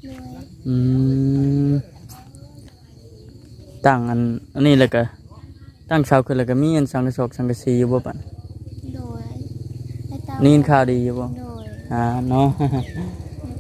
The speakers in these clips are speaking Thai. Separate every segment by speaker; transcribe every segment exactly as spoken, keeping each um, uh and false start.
Speaker 1: อืมตั้งอันอันนี้แล้วก็ตั้งเสาขึ้นแล้วก็มีอันสังกะสอกสังกะสีอยู่บ่ปาน
Speaker 2: โดยและเต้า
Speaker 1: นี่ข่าวดีอยู่บ่
Speaker 2: โดย
Speaker 1: อ่าเนาะ มี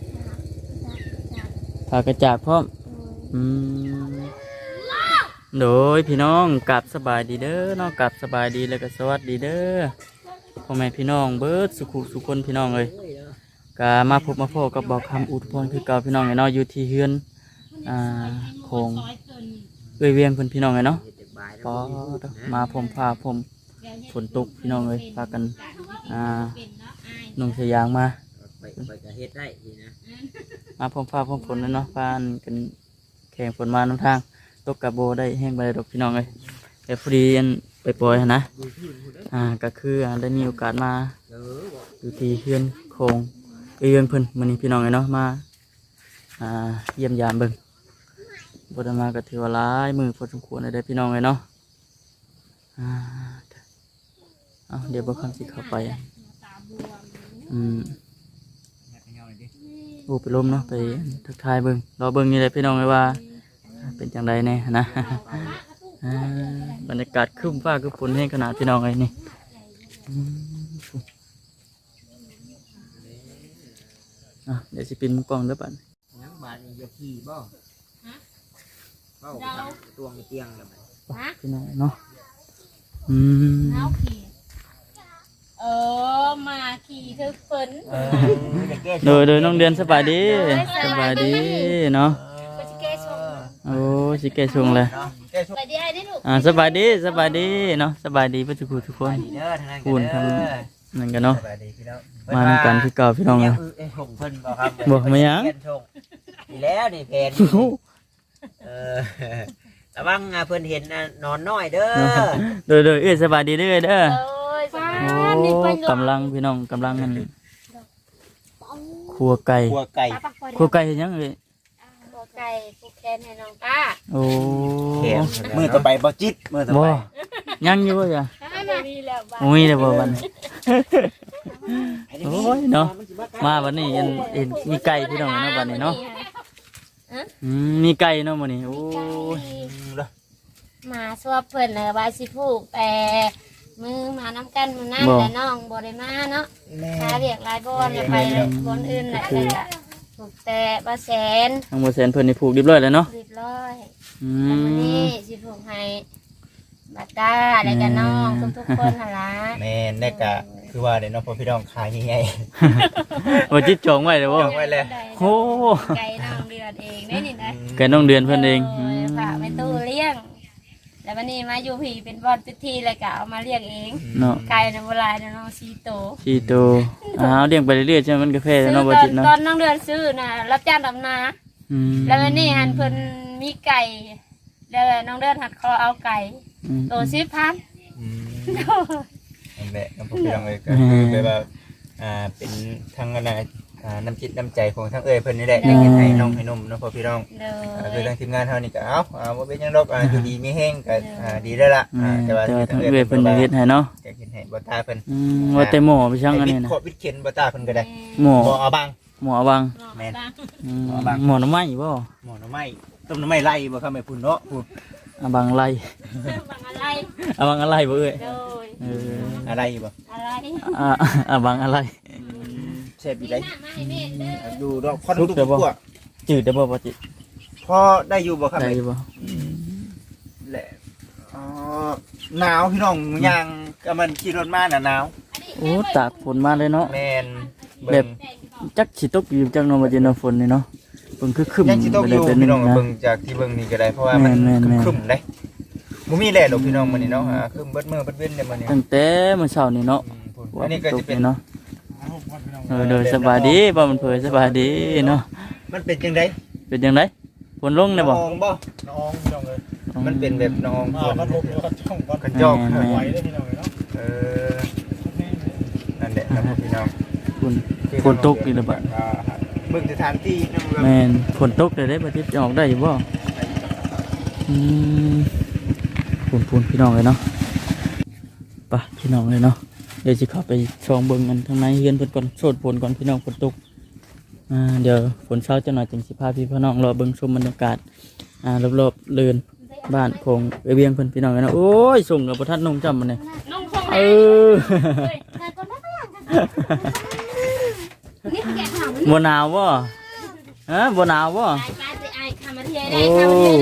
Speaker 2: พาจักจัก
Speaker 1: ผากระจาดพร้อม
Speaker 2: โดย
Speaker 1: อืมโดยพี่น้องกลับสบายดีเด้อเนาะกลับสบายดีแล้วก็สวัสดีเด้อพ่อแม่พี่น้องเบิดสุขุสุคนพี่น้องเอ้ยก็มาพบมาพบกับบอกคำอุทพรคือเก่าพี่น้องไงเนาะอยู่ที่เฮือนอ่าโคงเอ้ยเวียงเพิ่นพี่น้องไงเนาะพอมาผมพาผมฝนตกพี่น้องเอ้ยพากันอ่านุ่งสยางมา
Speaker 3: ไปไปกระเฮ็ดได้ดีนะ
Speaker 1: มาพร้อมฟ้าพร้อมฝนแล้วเนาะฟ้านกันแข่งฝนมาน้ำทางตกกับโบได้แห้งไปดอกพี่น้องเลยแต่พอดีอันไปปล่อยหั่นนะอ่าก็คืออ่าได้มีโอกาสมา
Speaker 3: เออบอก
Speaker 1: อยู่ที่เฮือนโคงเอื้อนเพิ่นมื้อนี้พี่น้องเลยเนาะมาอ่าเยี่ยมยามเบิ่งบ่ได้มาก็ถือว่าหลายมือพอสมควรเลยได้อพี่น้องเลยเนาะอ่าเอาเดี๋ยวบ่คำสิเข้าไปอ่ะอืม โอ้ไปล้มเนาะไปทักทายเบิ้งรอเบิ้งนี่เลยพี่น้องเลยว่าเป็นจังไดแน่นะ อ่าบรรยากาศครึ้มฟ้าคือฝนแห้งขนาดพี่น้องเลยนี่อืมอ่ะเดี๋ยวสิปินมุกกล้องเด้อปัน
Speaker 3: ยังบาดนี่จะขี่บ่เบ้าทำตวงเตียงแล้วมัน
Speaker 1: พี่น้องเนาะอืม
Speaker 2: เอาขี่เออมาขี่เธอฝน
Speaker 3: เออจะแก้
Speaker 1: โดยโดยน้องเดือนสบายดีสบายดีเนาะ
Speaker 2: ก็จะแก้ชง
Speaker 1: โอ้สิแกชงเลย
Speaker 3: เนาะแก้ช่วย
Speaker 2: ไปดีไอ้ดิลูก
Speaker 1: อ่าสบายดีสบายดีเนาะสบายดีเพื่อนทุกคนทุกคน
Speaker 3: ดีเด้อทางนั้น
Speaker 1: คูณทำนั่นกันเนาะ
Speaker 3: สบายดีพี่น้อง
Speaker 1: มาทำกันที่เก่าพี่น้องเลย
Speaker 3: เอ้ยส่งเพิ่นบ่ครับ
Speaker 1: บอกมายัง
Speaker 3: เพิ่นส่งดีแล้วนี่เพนเออระวังอ่ะเพิ่นเห็นอ่ะนอนน้อยเด้อ
Speaker 1: โดยโดยเอ้ยสบายดีเด้อเด้อ
Speaker 2: โอ้ยฟ้า
Speaker 1: โอ้
Speaker 2: นี่ไปเลย
Speaker 1: กำลังพี่น้องกำลังกันครัวไก่
Speaker 3: กลัวไก่
Speaker 2: ป้าปักพอ
Speaker 1: ครัวไก่เฮ็ดหยังเอ้ย
Speaker 2: ตัวไก่ผูกแขนให้น้องป้า
Speaker 1: โอ้
Speaker 3: แขนมือต่อไปบ่จิตมือต่อ
Speaker 1: บ่
Speaker 3: ไป
Speaker 1: ยังอยู่บ่จ้ะ
Speaker 2: มีแล้วบ้า
Speaker 1: โอ้ยเด้อบ่วันนี้โอ้ยเนาะมาวันนี้เห็นเห็นมีไก่พี่น้องเนาะวันนี้เนาะอืมมีไก่เนาะมื้อนี้โอ้ย
Speaker 2: มาสวบเพิ่นเลยว่าสิผูกแต่มือมาน้ำกันมือนั่นแต่น้องบ่ได้มาเนาะ
Speaker 3: แม่
Speaker 2: หาเรียกหลายบอนไปบอนอื่นแหละเลยอะผูกแต่บ่แสน
Speaker 1: ทางบ่แสนเพิ่นนี่ผูกเรียบร้อยแล้วเนาะ
Speaker 2: เรียบร้อย
Speaker 1: อื
Speaker 2: แล้ววัน
Speaker 1: ม
Speaker 2: นี้สิผูกให้บัตตาแล้วก็น้องทุกๆคนหั่นล่ะ
Speaker 3: แม่นได้กะคือว่าเดี๋ยวน้องพ่อพี่น้องขายง่าย
Speaker 1: บ่จิตจองไว้เด้อบ่
Speaker 3: จองไว้เลย
Speaker 1: โอ้
Speaker 2: ไก่น้องเดือดเองได้นี่นะ
Speaker 1: ไก่น้องเดือนเพิ่นเอง
Speaker 2: โยฝากไปตู้เลี้ยง แล้ววันนี้มาอยู่ผีเป็นบอลพิธีเลยก็เอามาเลี้ยงเอง
Speaker 1: เนาะ
Speaker 2: ไก่ในโบราณน้องซีโต
Speaker 1: ชีโตอ้าวเลี้ยงไปเรื่อยๆใช่ไหมมันกาแฟ
Speaker 2: ซื้อ
Speaker 1: เนาะบ่
Speaker 2: ตอ
Speaker 1: จิ
Speaker 2: น
Speaker 1: ตเนาะ
Speaker 2: ตอนน้องเดือนซื้อนะรับจ้างดำนา
Speaker 1: อืม
Speaker 2: แล้ววันนี้หันเพิ่นมีไก่แล้วน้องเดือนหัดคอเอาไก่
Speaker 1: อืม
Speaker 2: โตสิบพัน
Speaker 3: ๆอืมนั่นแหละน้องพ่อพี่น้องเลยก็คือแบบว่าอ่าเป็นทั้งอะไรอ่าน้ำจิตน้ำใจของทั้งเอ้ยเพิ่นนี่แหละอยากเห็นให้น้องให้นมน้องพ่อพี่น้อง
Speaker 2: เด้
Speaker 3: อ่า
Speaker 2: อ
Speaker 3: คือทางทีมงานเฮานี่ก็เอ้าอ่าบ่เป็นหยังดอกอ่าอยู่ดีมีแห้งก็อ่าดีแล้วล่ะ
Speaker 1: อื
Speaker 3: อ่าม แต่ว่า
Speaker 1: แต่ว่า
Speaker 3: ทา
Speaker 1: ทาง ง
Speaker 3: เอ้ย
Speaker 1: เอื้อยเพิ่นจะเฮ็ดให้เนาะ
Speaker 3: จะเห็นให้บ่ตาเพิ่น
Speaker 1: อืมว่าแต่หมอไปช่างอันนี้
Speaker 3: วิท
Speaker 1: นะ
Speaker 3: ย์โควิดเข็นบ่ตาเพิ่นก็ได้
Speaker 1: หมอ
Speaker 3: บ่เอาบัง
Speaker 1: หมอวัง
Speaker 3: แม่น
Speaker 1: อืม
Speaker 3: หมอบัง
Speaker 1: หมอน้ำไม้บ่
Speaker 3: หมอหน่อไม้ต้มหน่อไม้ไล่บ่ครับแม่พุ่นเนาะพุ่น
Speaker 1: อาบังไร
Speaker 2: บังอะไร
Speaker 1: อาบังอะไรบ่เอ้ย
Speaker 2: โดย
Speaker 1: เออ
Speaker 3: อะไรบ่
Speaker 2: อะไร
Speaker 1: อ่าอาบังอะไร
Speaker 3: แซ่บอีได้
Speaker 2: ไม่แม่เด้อ
Speaker 3: ดูดอกพอทุกตัว
Speaker 1: จืดได้บ่บ่จิต
Speaker 3: พอได้อยู่บ่ครับ
Speaker 1: ได้
Speaker 3: แม่
Speaker 1: อยู่บ่
Speaker 3: แหละอ๋อหนาวพี่น้องย่างก็มันขี่รถมาน่ะหนาว
Speaker 1: โอ้ตากฝนมาเลยเนาะ
Speaker 3: แม่น
Speaker 1: แบบ จักสิตกอยู่จังเนาะบ่จิตเนาะฝนนี่เนาะเพิ่นคือคึม
Speaker 3: ยังสิตก
Speaker 1: ไป
Speaker 3: อ
Speaker 1: เลย
Speaker 3: ยู่
Speaker 1: เป็น
Speaker 3: พี่
Speaker 1: นึ
Speaker 3: น้อง
Speaker 1: งนะ
Speaker 3: เบิ่งจากที่เบิ่งนี่ก็ได้เพราะว่ามัน
Speaker 1: แม่นๆๆ
Speaker 3: ครึ้มๆเด้บ่มีแลดอกพี่น้องมื้อนี้เนาะอ่าครึ้มเบิดมื้อเบิดเว้นเด้มื้อนี้
Speaker 1: ตั้งแต่มื้อเช้านี่เนาะ
Speaker 3: อืมพุ่นอันนี้ก็จะเป็น
Speaker 1: เนาะเออเด้อสบายดีบ่มันเผยสบายดีเนาะ
Speaker 3: มันเป็นจังได๋
Speaker 1: เป็นจังไดฝนลงได้บ่
Speaker 3: น้องบ่น้องพี่น้องเอ้ยมันเป็นแบบน้องฝน
Speaker 4: มันลุกแล้วก็จ้องวัด
Speaker 3: กันจอก
Speaker 1: แม่น
Speaker 4: ไหวได้พี่น้องเนาะ
Speaker 3: เออนั่นแหละครับพี่น้อง
Speaker 1: ฝนฝนตกอีกแล้วบัด
Speaker 3: อ่าเบิ่งสถานที่นะมันก็
Speaker 1: แม่นฝนตกได้ได้บ่จิตจะออกได้อยู่บ่อืมฝุ่นๆพี่น้องเลยเนาะไปพี่น้องเลยเนาะเดี๋ยวสิเข้าไปชองเบิ่งกันข้างในเฮือนเพิ่นก่อนโสดฝนก่อนพี่น้องฝนตกอ่าเดี๋ยวฝนเช้าจะหน่อยจังสิพาพี่พี่น้องรอเบิ่งชมบรรยากาศอ่ารอบๆเรือนบ้านของเอเวียงเพิ่นพี่น้องกันนะโอ้ยส่งกับบ่ทันนุ่งจำมันนี่
Speaker 2: น้องส่งไหน
Speaker 1: เออ
Speaker 2: นี่แกะถาม
Speaker 1: บ่หนาวบ่ฮะบ่หนาวบ่
Speaker 2: ไอ้ป้าจะไอ้คำมาเทียได้
Speaker 1: โอ้
Speaker 2: คำมาเทีย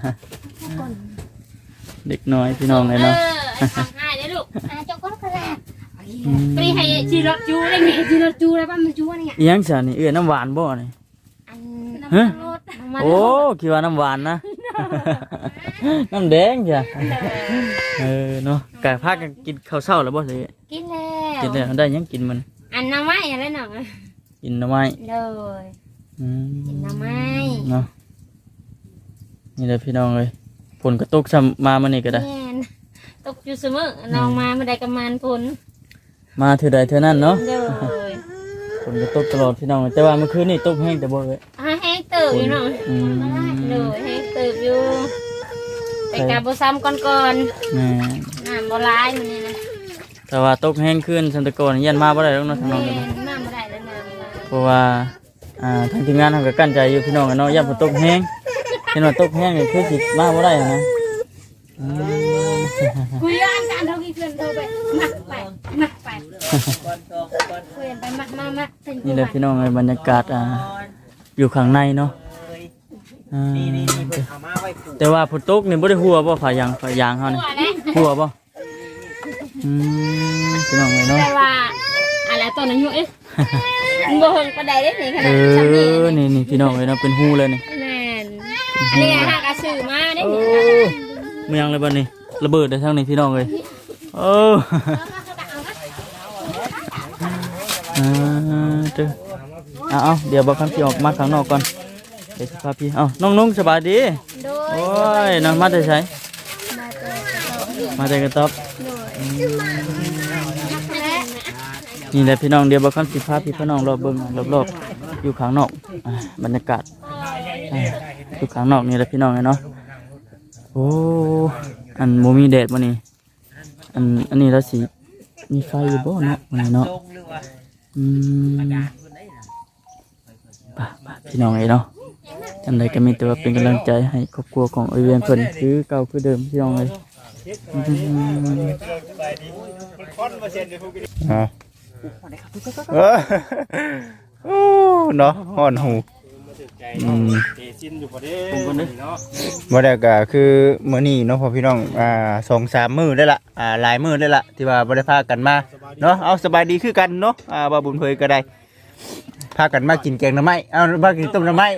Speaker 2: ได้
Speaker 1: เด็กน้อยพี่น้องเลยเนาะ
Speaker 2: เออไอ้ทำง่ายเลยลูกอ่ะเจ้าก็กระแลไปให้จีรถจูได้ไหมจีรถจูได้ป่ะมันจูอะไรเงี้ย
Speaker 1: อีหยังซะนี่เอื้อน้ำหวานบ่นี่
Speaker 2: อัน
Speaker 1: ฮะ
Speaker 2: รถมัน
Speaker 1: โอ้คิดว่าน้ำหวานนะ น้ำแดงจ้ะเออเนาะกะพากันกินข้าวเช้าแล้วบ่เลย
Speaker 2: กินแล้ว
Speaker 1: กินแล้วได้หยังกินมัน
Speaker 2: อันน้ำไม้อะไรหน่อย
Speaker 1: กินหน่อไม้
Speaker 2: เลย
Speaker 1: อืม
Speaker 2: กินน้ำไม้
Speaker 1: เนาะนี่แหละพี่น้องเลยฝนก็ตกซ้ำมามันนี่ก็ได้
Speaker 2: แม่นตกอยู่เสมอน้องมาไม่ได้กำมันผล
Speaker 1: มาเท่าใดเท่านั้นเนาะ
Speaker 2: เลย
Speaker 1: ฝนก็ตกตลอดพี่น้องแต่ว่าเมื่อคืนนี่ตกแห้งแต่บ่เลย
Speaker 2: อ่ะแห้งเติบอยู่เนาะ
Speaker 1: อืม
Speaker 2: เลยแห้งเติบอยู่ แต่กาบซ้ำก่อน
Speaker 1: แม่
Speaker 2: ๆน้ำบ่ร้ายมันนี่นะ
Speaker 1: แต่ว่าตกแห้งขึ้นสันตะกอนยันมาบ่ได้แล้วเนาะทางน้อง
Speaker 2: แม่
Speaker 1: กัน
Speaker 2: นน้ำบ่ได้แล้วน้ำมา
Speaker 1: เพราะว่าอ่าทางทีมงานทำก็กั้นใจอยู่พี่น้องกันเนาะย่าฝนตกแห้งเห็นว่าตกแห้งนี่คือสิมาบ่ได้นะอืม
Speaker 2: คุยกันกันเท่ากี่เพื่อนเท่าไปมักไปมักไปคุยกันไปมักมามักถึง
Speaker 1: นี่แหละพี่น้องเลยบรรยากาศอ่าอยู่ข้างในเนาะอ่าแต่ว่าฝนตกนี่บ่ได้หัวบ่ฝายางฝายางเฮานี่
Speaker 2: หัวนะ
Speaker 1: หัวบ่อืมพี่น้องเลยเนาะ
Speaker 2: แต่ว่าอะไรตัวนั้นอยู่เอ๊ะบ่เห็นปานใดได้นี่ข
Speaker 1: เอ
Speaker 2: นาดชั้นนี้
Speaker 1: อนี่นี่พี่น้องเลยเนาะเป็นหูเลยนี่
Speaker 2: แม่นอันนี้หากระสือมาได้
Speaker 1: โอ้
Speaker 2: นี่
Speaker 1: เมืองเลยบัดนี้ระเบิดได้ทั้งนี้พี่น้องเลยโอ้อ่าเด้อเอาเอาเดี๋ยวบอกคำที่ออกมาข้างนอกก่อนเดี๋ยวสิพาพี่เอาน้องนุ่งสบายดี
Speaker 2: โดย
Speaker 1: โอ้ยน้องมาแต่ไส
Speaker 2: มาเจอ
Speaker 1: มาแต่กระต๊อบ
Speaker 2: และ
Speaker 1: นี่แหละพี่น้องเดี๋ยวบอกคำสิพาพี่พี่น้องรอบเบิ่งรอบๆอยู่ข้างนอกอ่าบรรยากาศอ่าอยู่ข้างนอกนี่แหละพี่น้องเลยเนาะโอ้อันโมมีแดดวันนี้อันอันนี้แล้วสีมีไฟอยู่บ่เนาะวันนี้เนาะอืมป่ะป่ะพี่น้องเลยเนาะจังใดก็มีแต่ว่าเป็นกำลังใจให้ครอบครัวของเอเวียนเพิ่นคือเก่าคือเดิมพี่น้องเลยอืม
Speaker 3: อ่าเออโอ้เนาะฮ้อนหูอืม
Speaker 4: เตซินอยู่ประเดี๋
Speaker 1: ผมคนนึง
Speaker 4: เนาะ
Speaker 3: บ่ได้ก็คือมื้อนี้เนาะพ่อพี่น้องอ่าสองสามมื้อได้ละอ่าหลายมื้อได้ละที่ว่าบ่ได้พากันมาเนาะเอาสบายดีคือกันเนาะอ่าบ่าบุญเผยก็ได้พากันมากินแกงหน่อไม้เอามากินต้มหน่อไม้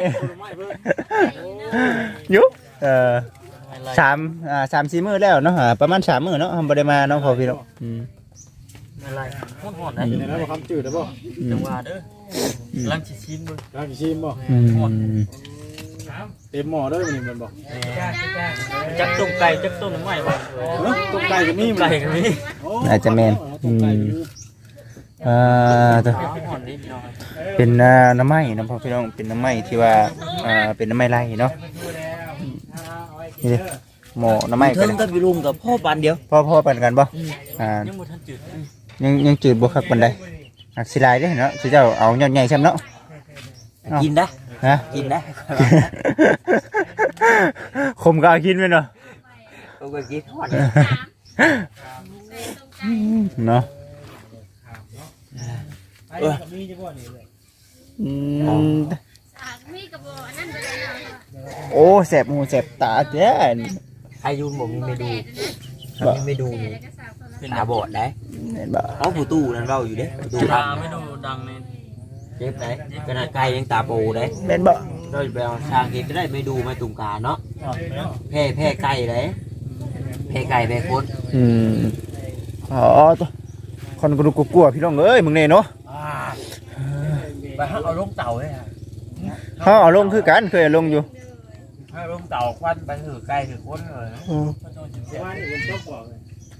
Speaker 3: อยู่เอ่อสามอ่าสามสี่มื้อแล้วเนาะอ่าประมาณสามมื้อเนาะบ่ได้มาเนาะพ่อพี่น้องอืม
Speaker 1: อะไรฮ้อนๆนะ
Speaker 4: เดี๋ยวนะบ่คำจืดได้บ่
Speaker 1: จังหวะเด้อลังสิชิมเบิ่ง
Speaker 4: ร้านชิมบ่
Speaker 3: อืม
Speaker 4: เต็มหม้อเด้อมันนี่มันบ่
Speaker 1: จักต้มไก่จักต้มหน่อไม้บ่
Speaker 4: เอ้อต้มไก่ก็มี
Speaker 1: ไก่ก็มี
Speaker 4: โอ้
Speaker 3: อาจจะแม่น
Speaker 4: ต้มไก่ก็มี
Speaker 3: อ่าตัว
Speaker 1: ฮ้อนๆนิดหน่อย
Speaker 3: เป็นอ่าน้ำไม้นะพ่อพี่น้องเป็นน้ำไม้ที่ว่าอ่าเป็นน้ำไม้ไร่เนาะนี่เด้หม้อน้ำไม้ก็
Speaker 5: เทิง
Speaker 3: ได้
Speaker 5: กับวิลุงกับพ่อปานเดียว
Speaker 3: พ่อพ่อปันกันบ่อ่า
Speaker 1: ยังบ่ทันจืด
Speaker 3: ยังยังจืดบ่คักปานใดหักสิลายเด้อเนาะสิเจ้าเอายอดใหญ่ซ้ำเนาะ
Speaker 5: กินได้
Speaker 3: ฮะ
Speaker 5: กินได้
Speaker 3: คมก็เอากินไปเนาะ
Speaker 5: กูก็กินทอด
Speaker 3: เนาะ
Speaker 4: ไอ้ก็มีจังบ่นี่เลย
Speaker 3: อืม
Speaker 2: มีกระบอกนั่นไปเลย
Speaker 3: โอ้แสบหูแสบตาแท้
Speaker 5: อายุผมมีเมนูมีเมนูตาบอดได้
Speaker 3: เห็นบ่
Speaker 5: เอาผู้ตู้นั่นเราอยู่เด้ผู้ตู้
Speaker 1: ตา
Speaker 5: ทำ
Speaker 1: ไม่ดูดังใน
Speaker 5: เจ็บได้ขนาดไก่ยังตาโปได้
Speaker 3: เห็นบ่
Speaker 5: เราไปเอาช่างเองก็ได้ไม่ดูไม่ตุงกาเนาะแพ้แพ้ไก่เลยแพ้ไก่แพ้คน
Speaker 3: อืมอ๋อตัวคนก็ดูกลัวๆพี่น้องเอ้ยมึงเนี่ยเนาะ
Speaker 5: ไปเอาลงเต่าเลยฮะ
Speaker 3: เฮาเอาลงคือกันเคยเอาลงอยู่
Speaker 5: ให้ลงเต่าควันไปถือไก่ถือคนเลย
Speaker 4: ว่านี่มันต้องบอกเลย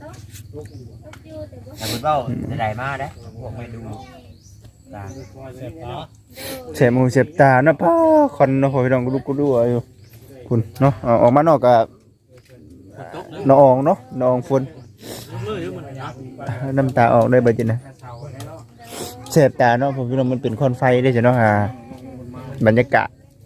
Speaker 5: แต่คุณเบ้าจะได้มาได้พวกไม่ดูตา
Speaker 4: เสพปลา
Speaker 3: เสียบหูเสียบตาเนาะพ่อคนเนาะพ่อพี่น้องก็ดูกูดูอยู่คุณเนาะเอาออกมานอกกับน้องเนาะน้องฝนน้ำตาออกได้บ่จินะเสียบตาเนาะพ่อพี่น้องมันเป็นควันไฟได้จ้ะเนาะฮะบรรยากาศ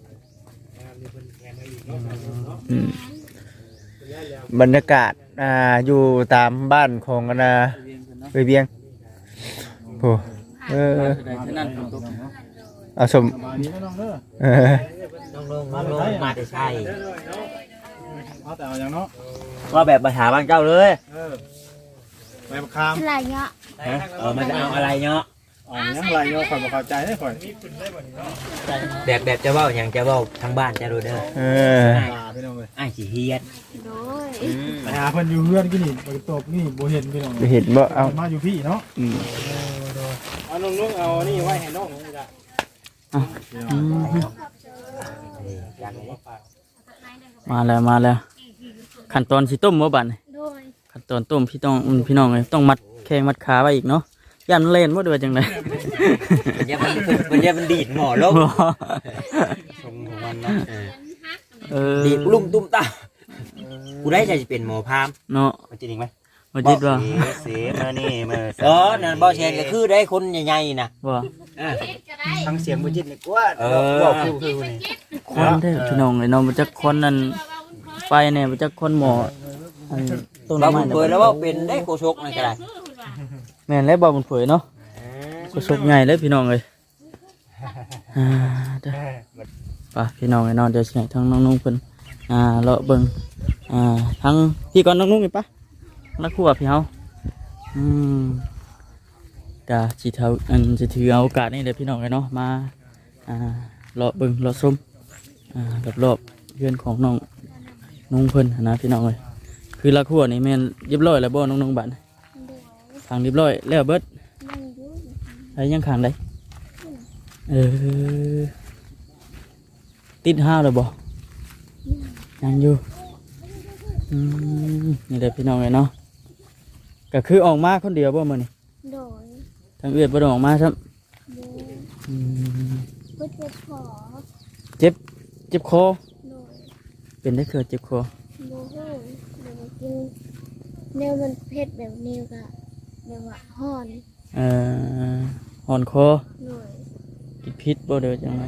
Speaker 3: อืมบรรยากาศอ่าอยู่ตามบ้านของอันนาเวียงเวียงโอ้เออเอาสม
Speaker 4: มาดีนะน้องเด้อ
Speaker 3: เออ
Speaker 5: น้องลงน้องลงมาแต่ใช่
Speaker 4: เอาแต่เอาอย่างเนาะ
Speaker 5: ว่าแบบปัญหาบ้านเจ้าเลย
Speaker 4: เออใบมะขาม
Speaker 2: อะไรเงี้ย
Speaker 5: เออมันจะเอาอะไรเนาะ
Speaker 4: อ๋อยังไรเนาะข่อยบ่เข้าใจได้ข่อย
Speaker 5: แบบแบบจะเว่าอย่างจะเว่าทางบ้านจะรู้เด้อ
Speaker 3: เออ
Speaker 4: ตาพี่น้องเอ้ย
Speaker 5: ไอ้ขี้เฮียน
Speaker 2: โดย
Speaker 4: ไปหาเพิ่นอยู่เฮือนกินนี่บ่ตบนี่บ่เห็นพี่น้อง
Speaker 3: ไปเห็นบ่เอา
Speaker 4: มาอยู่พี่เนาะ
Speaker 3: อืม
Speaker 4: เอาน้องลุงเอานี่ไว้ให้น้องนี่ล่ะ
Speaker 3: อืม
Speaker 5: อย่างนี้
Speaker 1: มาแล้วมาแล้วขั้นตอนสิต้มบ่บัดนี่
Speaker 2: โดย
Speaker 1: ขั้นตอนต้มพี่ต้องอืมพี่น้องเอ้ยต้องมัดแข้งมัดขาไว้อีกเนาะยันเล่นบ่ด้วยจังได๋
Speaker 5: มันจะมันมันจะมันดีดหมอลงทรงของมันเนาะเออ
Speaker 1: เออ
Speaker 5: ดีดลุ่มตุ้มตากูได้ใจจะเป็นหมอพาม
Speaker 1: เนาะ
Speaker 5: มันจริงไหม
Speaker 1: บ่จิตว่า
Speaker 5: เสียมานี่มาเออนั่นบ่แชนก็คือได้คนใหญ่ๆนะ
Speaker 1: ว่า
Speaker 3: ฟังเสียงบ่จิตนี่กว่า
Speaker 5: เออ
Speaker 3: บอกคือคือนี่
Speaker 1: คนเด้อพี่น้องเอ้ยเนาะบ่จักคนนั่นไปแน่บ่จักคนหมออันต้น
Speaker 5: เรา
Speaker 1: ไม้
Speaker 5: เปิดแล้วว่าเป็นได้โคชกนี่ก็ได้
Speaker 1: แม่นแล้วบ่บุญเผยเนาะก็สุกใหญ่เลยพี่น้องเอ้ยอ่าเด้อไปพี่น้องเอ้ยเนาะเดี๋ยวสิให้ทั้งน้องนุ่งเพิ่นอ่าเลาะเบิ่งอ่าทั้งพี่ก่อนน้องนุ่งนี่ปะแล้วครัวพี่เฮาอืมกะสิเท่าอันสิถือเอาโอกาสนี้เด้อพี่น้องเอ้ยเนาะมาอ่าเลาะเบิ่งเลาะชมอ่ารอบๆเรือนของน้องนุ่งเพิ่นนะพี่น้องเอ้ยคือละครัวนี่แม่นเรียบร้อยแล้วบ่น้องนุ่งบัดนี้ทางเรียบร้อยแล้วเบิด
Speaker 2: นั่งอยู่
Speaker 1: ไอ้ยังขังได้เออติดห้าวเลยบ่ยังอยู่อืมนี่เด็กพี่น้องเลยเนาะก็คือออกมาคนเดียวบ่มื้อนี่
Speaker 2: โดย
Speaker 1: ทางเอื้อยบ่ได้ออกมาซ้ำ
Speaker 2: โดย
Speaker 1: อืม
Speaker 2: เพื่อจะขอ
Speaker 1: เจ็บเจ็บคอ
Speaker 2: โดย
Speaker 1: เป็นได้คือเจ็บคอ
Speaker 2: โมโหเดี๋ยวมากินแนวมันเผ็ดแบบนี้ก็แบบว่าห่อน
Speaker 1: เอ่อหอนคอ
Speaker 2: หน่อย
Speaker 1: กินพิษบ่เด้อจังได
Speaker 2: โอ้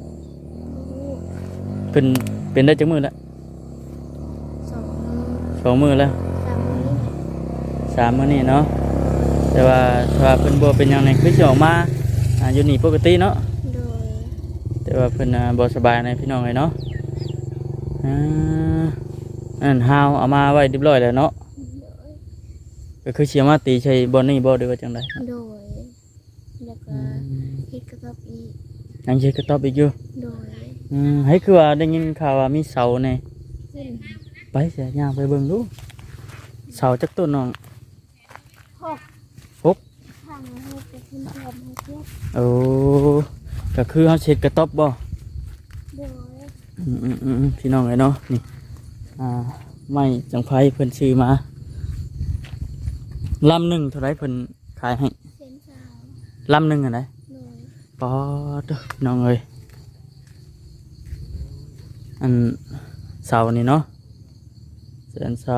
Speaker 1: เป็นเป็นได้จักมื้อละ
Speaker 2: สองมือ
Speaker 1: สองมื้อแล้ว
Speaker 2: สามมือ
Speaker 1: สามมื้อนี่เนาะแต่ว่าถ้าว่าเพิ่นบ่เป็นหยังนี่คือสิออกมาอ่าอยู่นี่ปกติเนาะ
Speaker 2: โดย
Speaker 1: แต่ว่าเพิ่นน่ะบ่สบายในพี่น้องเลยเนาะอ่าอันฮาวเอามาไว้เรียบร้อยแล้วเนาะก็คือเสียมาตีใช้บอนนี่บ่ได้ว่าจังได๋
Speaker 2: โดยแล้วก็เฮ็ดกระทบอีก
Speaker 1: ยังสิก็ตอบอีกอยู่
Speaker 2: โดย
Speaker 1: อืมให้คือว่าได้ยินข่าวว่ามีเสาแน่
Speaker 2: ขึ้น
Speaker 1: ไปเสียย่างไปเบิ่งดูเสาจักต้นน้อง
Speaker 2: หก
Speaker 1: หก
Speaker 2: ทางให้ไปขึ้นพร้อมให้เทียบ
Speaker 1: โอ้ก็คือเฮาเช็ดกระต๊อบบ่
Speaker 2: โดย
Speaker 1: อืมอืมอืมพี่น้องเลยเนาะนี่อ่าไม้จังไผเพิ่นซื้อมาลำหนึงเท่าไหร่เพิ่นขายให้
Speaker 2: เส้นสาว
Speaker 1: ลำหนึงอันใด
Speaker 2: โดย
Speaker 1: ปอดเด้อน้องเอ้ยอันเสานี่เนาะแสนเสา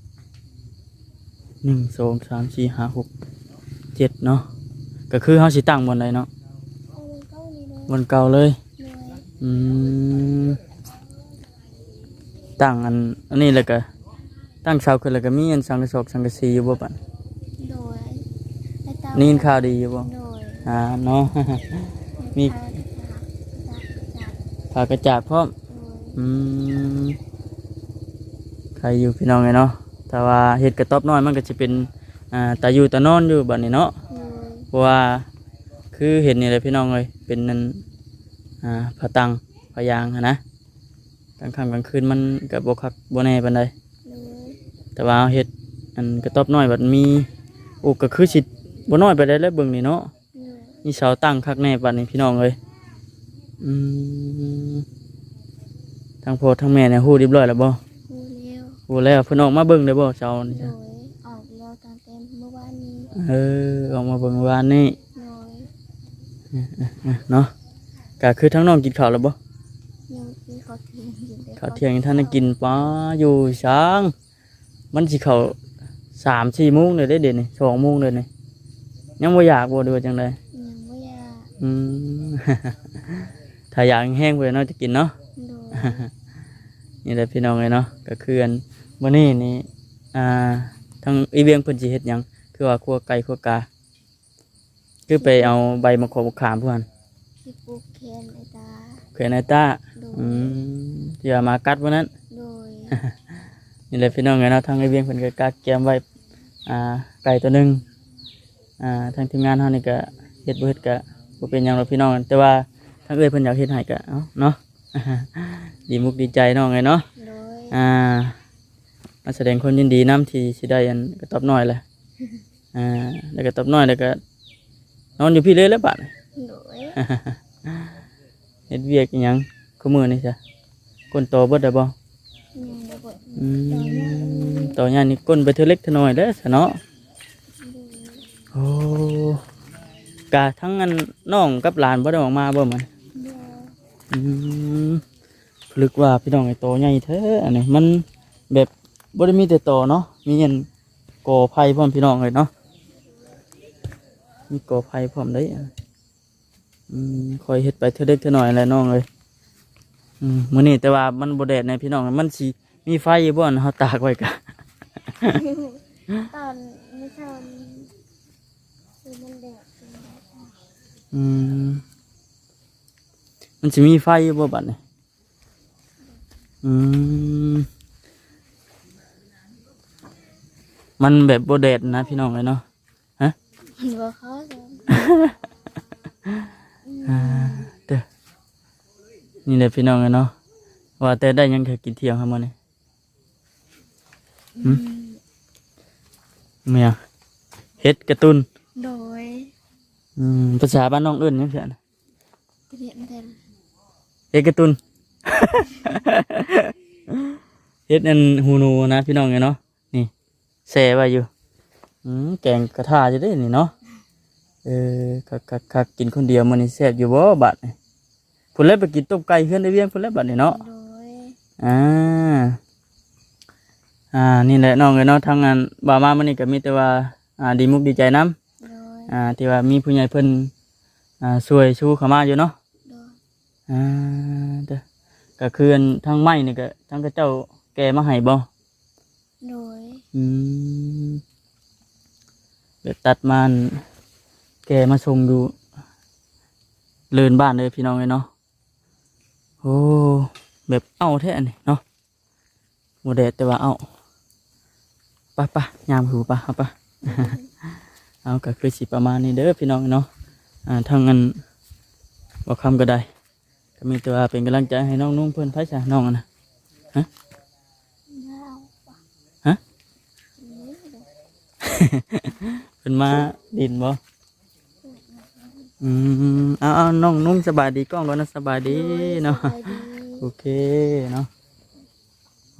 Speaker 1: หนึ่งสองสามสี่ห้าหกเจ็ดเนาะก็คือเขาสิตั้งบนใดเนาะ
Speaker 2: เอามันเข้านี่เลย
Speaker 1: บนเก่าเลย
Speaker 2: โดย
Speaker 1: อืมตั้งอันอันนี้เลยก็ตั้งเสาขึ้นแล้วก็มีอันสังกะสอบสังกะสีอยู่บ่ปัน
Speaker 2: โดยให้ตา
Speaker 1: นี่ข่าวดีอยู่บ่
Speaker 2: โดย
Speaker 1: อ่าเนาะ มี
Speaker 2: ให้ตาจับจับ
Speaker 1: ผากระจาดพร้อม
Speaker 2: โดย
Speaker 1: อืมใครอยู่พี่น้องไงเนาะแต่ว่าเห็ดกระต๊อบน้อยมันก็จะเป็นอ่าตาอยู่ตานอนอยู่บัดนี้เนาะ
Speaker 2: โดย
Speaker 1: เพราะว่าคือเห็ดนี่แหละพี่น้องเลยเป็นนั่นอ่าผาตังผายางหั้นนะกลางค่ำกลางคืนมันกับบคักบแน่ปานใด
Speaker 2: โดย
Speaker 1: แต่ว่าเห็ดอันกระต๊อบน้อยบัดมีโอ้ก็คือสิบ่น้อยไปได้แล้วเบิ่งนี่เนาะ
Speaker 2: โดย
Speaker 1: นี่เสาตั้งคักแน่บัดนี้พี่น้องเลยอืมทางพ่อทางแม่เนี่ยฮู้เรียบร้อยแล้วบ่
Speaker 2: พูดแล้ว
Speaker 1: โอ้แล้วเพิ่นออกมาเบิ่งได้บ่เช้านี่
Speaker 2: โด
Speaker 1: จ้ะ
Speaker 2: ยออกแล้วตอนเต็มเมื่อวานนี้
Speaker 1: เออออกมาเบิ่งวานนี่
Speaker 2: โดย
Speaker 1: เนาะก็คือทั้งน้องกินข้าวแล้วบ่
Speaker 2: ยังมีขอเทียงอยู่เลย
Speaker 1: ข้าวเที่ยงท่านได้กินป้าอยู่ช้าง มันสิเข้าสามสี่โมงเลยได้เดี๋ยวนี้สองโมงเลยนี่ยังบ่อยากบ่ดูจังได
Speaker 2: ยังไม่อยาก
Speaker 1: อืมถ้าอยากแห้งเพื่อนเนาะจะกินเนาะ
Speaker 2: โดย
Speaker 1: นี่แหละพี่น้องเลยเนาะก็คืออันมื้อนี้นี่อ่าทางอีเวียงเพิ่นสิเฮ็ดหยังคือว่าคั่วไก่คั่วกาคือไปเอาใบมะขามขามเพื่อน
Speaker 2: สิปลูกแคนไอตา
Speaker 1: เขื่อนไอต้า
Speaker 2: โด
Speaker 1: อื
Speaker 2: ย
Speaker 1: มที่ว่ามากัดวันนั้น
Speaker 2: โดย
Speaker 1: นี่แหละพี่น้องเลยเนาะทางอีเวียงเพิ่นก็กัดแกมไว้อ่าไก่ตัวหนึงอ่าทางทีมงานเฮานี่ก็เฮ็ดบ่เฮ็ดก็บ่เป็นหยังหรอกพี่น้องแต่ว่าทางเอ้ยเพิ่นอยากเฮ็ดให้ก็เอ้าเนาะ ดีมุกดีใจน้องไงเนาะ
Speaker 2: โดย
Speaker 1: อ่ามาแสดงความยินดีน้ำที่สิได้อันกระตอบน้อยแหละอ่าแล้วกระตอบน้อยแล้วก็นอนอยู่พี่เลยแล้วบัด
Speaker 2: โดย
Speaker 1: เฮ็ดเวียกอิหยังคู่มือนี่จ้ะก้นโตเบิดได้บ่
Speaker 2: ยังระเบิด
Speaker 1: อืมต่อใหญ่นี่ก้นไปเท่าเล็กเท่าน้อยเด้อซะเนาะโอ้กะทั้งอันน้องกับหลานบ่ได้ออกมาบ่มัน
Speaker 2: โดย
Speaker 1: อืมลึกว่าพี่น้องไอ้โตใหญ่แท้อันนี้มันแบบบ่ได้มีแต่โตเนาะมีอันกอไผ่พร้อมพี่น้องเลยเนาะมีกอไผ่พร้อมได้อะอืมคอยเฮ็ดไปเท่าเล็กเท่าน้อยแหละน้องเลยอืมมื้อนี้แต่ว่ามันบ่แดดในพี่น้องมันสิมีไฟอยู่บ่อนเฮาตากไว้กะ
Speaker 2: ตอนไม่เช้านี้คือมันแดดเป็นแดด
Speaker 1: อืมมันสิมีไฟอยู่บ่บัดนี้อืมมันแบบบ่แดดนะพี่น้องเลยเนาะ
Speaker 2: มันว่าเขาจะ
Speaker 1: อ่าเด้อนี่แหละพี่น้องเลยเนาะว่าแต่ได้หยังแค่กินเที่ยงครับมื้อนี้หึเมียเฮ็ดการ์ตูน
Speaker 2: โดย
Speaker 1: อืมภาษาบ้านน้องเอิ้นหยังซี่นะ
Speaker 2: เรียนเต็ม
Speaker 1: เฮ็ดการ์ตูน เฮ็ดอันหูหนูนะพี่น้องเลยเนาะนี่แช่ไว้อยู่อืมแกงกระทะจะได้นี่เนาะเออคักคักคักกินคนเดียวมื้อนี้แซ่บอยู่บ่บัดนี่พุ่นแล้วไปกินต้มไก่เฮือนได้เวียงพุ่นแล้วบัดนี่เนาะ
Speaker 2: โดย
Speaker 1: อ่า อ่า นี่แหละน้องเอ้ยเนาะทางงานบ่าวมามื้อนี้ก็มีแต่ว่า อ่า ดีมุกดีใจนำ
Speaker 2: โดย
Speaker 1: อ่า ที่ว่ามีผู้ใหญ่เพิ่น อ่า ช่วยชูเข้ามาอยู่เนาะ
Speaker 2: โดย
Speaker 1: อ่าเด้อก็คืออันทางไม้นี่ก็ทางเขาเจ้าแกมาให้บ่
Speaker 2: โดย
Speaker 1: อืมเดี๋ยวตัดมาอันแกมาส่งอยู่เลินบ้านเลยพี่น้องเอ้ยเนาะ โอ้ แบบเอาแท้อันนี้เนาะโมเดลแต่ว่าเอาไปไปยามหูปะเอาปะ เอาก็คือสิประมาณนี้เด้อพี่น้องเนาะอ่าทางเงินบอกคำก็ได้ก็มีตัวเป็นกำลังใจให้น้องนุ่งเพื่อนไพ่จ้ะน้องอะนะฮะ ฮะ เป็นมาดินบ่อืมเอาเอาน้องนุ่งสบายดีกล้องก่อนนะสบายดีเนาะ
Speaker 2: สบายดี
Speaker 1: โอเคเนาะโอ้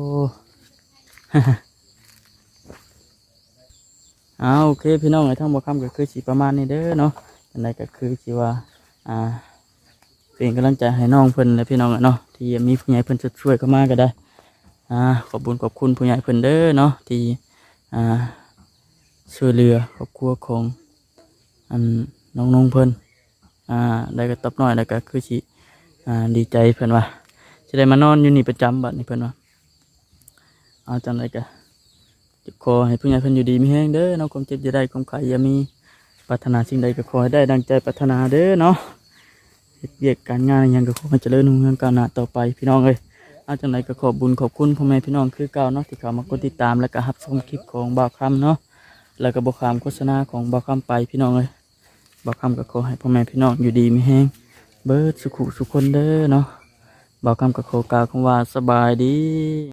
Speaker 1: เอาโอเคพี่น้องไอ้ทั้งบ่คำก็คือสิประมาณนี้เด้อเนาะอันใดก็คือสิว่าอ่าเป็นกำลังใจให้น้องเพิ่นและพี่น้องอะเนาะที่มีผู้ใหญ่เพิ่นจะช่วยเข้ามาก็ได้อ่าขอบคุญขอบคุณผู้ใหญ่เพิ่นเด้อเนาะที่อ่าช่วยเหลือครอบครัวของอันน้องๆเพิ่นอ่าได้ก็ตอบน้อยแล้วก็คือสิอ่าดีใจเพิ่นว่าจะได้มานอนอยู่นี่ประจำบัดนี้เพิ่นว่าเอาจังไดก็ ขอให้ผู้ใหญ่เพิ่นอยู่ดีมีแห้งเด้อเนาะความเจ็บจะได้ความไข่อย่ามีปรารถนาสิ่งใดก็ขอให้ได้ดังใจปรารถนาเด้อเนาะเฮ็ดเวียกการงานอิหยังก็ขอให้เจริญรุ่งเรืองก้าวหน้าต่อไปพี่น้องเอ้ยเอาจังไดก็ขอบบุญขอบคุณพ่อแม่พี่น้องคือเก่าเนาะที่เข้ามากดติดตามแล้วก็รับชมคลิปของบ่าวคำเนาะแล้วก็บ่ขามโฆษณาของบ่าวคำไปพี่น้องเอ้ยบ่าวคำก็ขอให้พ่อแม่พี่น้องอยู่ดีมีแห้งเบิดสุขุสุขคนเด้อเนาะบ่าวคำก็ขอกล่าวคำว่าสบายดี